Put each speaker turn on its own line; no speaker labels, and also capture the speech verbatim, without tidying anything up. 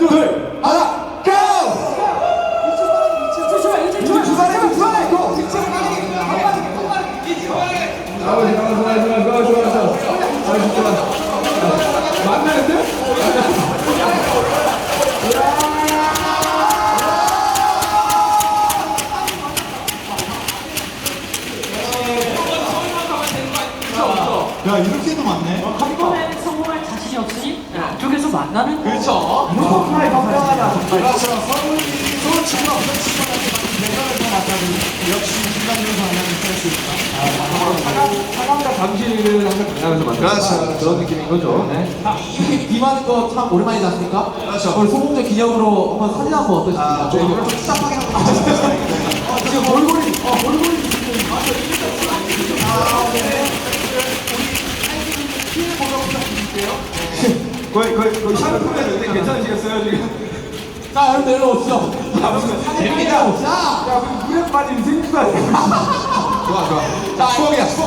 둘, 하나, 고! 이제 주말에 주말에 고!
좋아, 좋아, 좋아, 좋아, 좋아, 좋아. 아주 좋아. 만나는데?
야, 이렇게도 많네.
한 번에 성공할 자신이 없으니 쪽에서 만나는 거.
그렇죠.
정말 건강하다.
그렇죠. 서울도 지금 없는 친구한테 대전에서 만나는 역시 인간으로서 만나는 스트레스입니다.
사랑과 당신을 항상 만나면서 만나는
그렇죠.
그런 느낌인 거죠. 네.
이렇게 비하는 거 참 오랜만이지 않습니까?
그렇죠.
오늘 소공제 기념으로 한번 사진 한번 어떠십니까?
아, 저 이걸 좀 시작하긴 하고
지금 몰골이, 어, 몰골이
거의, 거의, 거의 샴푸했는데 괜찮으시겠어요, 지금?
자, 여러분 내려오시죠.
재밌다.
자,
야, 물에 빠진 생수가 되고
좋아, 좋아. 자, 추억이야, 추억.